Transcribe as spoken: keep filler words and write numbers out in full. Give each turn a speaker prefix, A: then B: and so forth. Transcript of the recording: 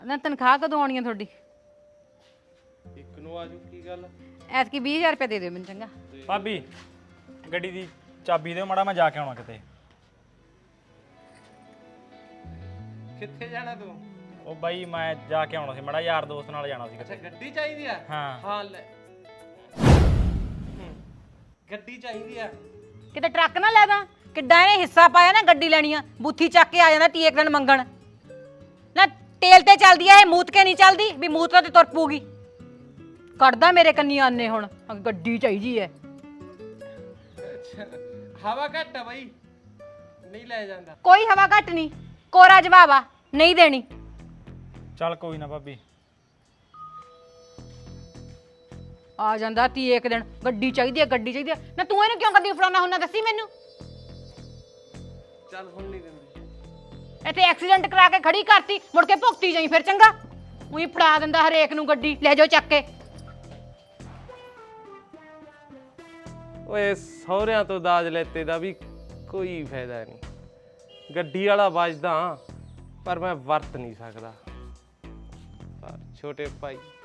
A: ਨਾ ਤਨਖਾਹ ਕਦੋਂ ਆਉਣੀ ਆ ਤੁਹਾਡੀ?
B: ਇੱਕ ਨੂੰ ਆਜੂ ਕੀ ਗੱਲ?
A: ਐਤਕੀ ਵੀਹ ਹਜ਼ਾਰ ਰੁਪਏ ਦੇ ਦਿਓ ਮੈਨੂੰ ਚੰਗਾ।
C: ਭਾਬੀ ਗੱਡੀ ਦੀ ਚਾਬੀ ਦਿਓ ਮਾੜਾ, ਮੈਂ ਜਾ ਕੇ ਆਉਣਾ ਕਿਤੇ।
B: ਕਿੱਥੇ ਜਾਣਾ ਤੂੰ?
C: ਉਹ ਬਾਈ ਮੈਂ ਜਾ ਕੇ ਆਉਣਾ ਸੀ ਮਾੜਾ, ਯਾਰ ਦੋਸਤ ਨਾਲ ਜਾਣਾ ਸੀ
B: ਅੱਛਾ
C: ਕਿਤੇ।
B: ਗੱਡੀ ਚਾਹੀਦੀ ਆ?
C: ਹਾਂ
B: ਹਾਂ ਲੈ ਗੱਡੀ ਚਾਹੀਦੀ ਆ।
A: ਕਿਤੇ ਟਰੱਕ ਨਾ ਲੈ ਦਾਂ। ਕਿੱਡਾ ਇਹਨੇ ਹਿੱਸਾ ਪਾਇਆ ਨਾ ਗੱਡੀ ਲੈਣੀ ਆ, ਬੂਥੀ ਚੱਕ ਕੇ ਆ ਜਾਂਦਾ ਤੀ ਇੱਕ ਦਿਨ ਮੰਗਣ। ਨਾ ਤੇਲ ਤੇ ਚੱਲਦੀ ਆ ਇਹ, ਮੂਤ ਕੇ ਨਹੀਂ ਚੱਲਦੀ ਵੀ ਮੂਤ ਤੇ ਤੁਰ ਪੂਗੀ। ਕੱਢਦਾ ਮੇਰੇ ਕੰਨੀ ਆਨੇ ਹੁਣ ਗੱਡੀ ਚਾਹੀਦੀ ਐ।
B: ਅੱਛਾ ਹਵਾ ਘੱਟ ਆ ਬਾਈ, ਨਹੀਂ ਲੈ ਜਾਂਦਾ।
A: ਕੋਈ ਹਵਾ ਘੱਟ ਨਹੀਂ, ਕੋਰਾ ਜਵਾਬ ਆ, ਨਹੀਂ ਦੇਣੀ।
C: ਚੱਲ ਕੋਈ ਨਾ ਭਾਬੀ।
A: ਆ ਜਾਂਦਾ ਤੀ ਇੱਕ ਦਿਨ ਗੱਡੀ ਚਾਹੀਦੀ ਐ ਗੱਡੀ ਚਾਹੀਦੀ ਐ। ਨਾ ਤੂੰ ਇਹਨੂੰ ਕਿਉਂ ਕਦੀ ਫੜਾਉਣਾ ਹੁੰਦਾ ਦੱਸੀ ਮੈਨੂੰ।
B: ਚੱਲ ਹੁਣ ਨਹੀਂ ਦਿੰਦੇ।
A: ਇੱਥੇ ਐਕਸੀਡੈਂਟ ਕਰਾ ਕੇ ਖੜੀ ਕਰਤੀ, ਮੁੜ ਕੇ ਭੁਗਤੀ ਜਾਈ ਫਿਰ ਚੰਗਾ। ਉਹੀ ਫੜਾ ਦਿੰਦਾ ਹਰੇਕ ਨੂੰ ਗੱਡੀ, ਲੈ ਜਾਓ ਚੱਕ ਕੇ।
B: ਓਏ ਸਹੁਰਿਆਂ ਤੋਂ ਦਾਜ ਲੈਤੇ ਦਾ ਵੀ ਕੋਈ ਫਾਇਦਾ ਨਹੀਂ। ਗੱਡੀ ਵਾਲਾ ਵੱਜਦਾ ਪਰ ਮੈਂ ਵਰਤ ਨਹੀਂ ਸਕਦਾ। ਪਰ ਛੋਟੇ ਭਾਈ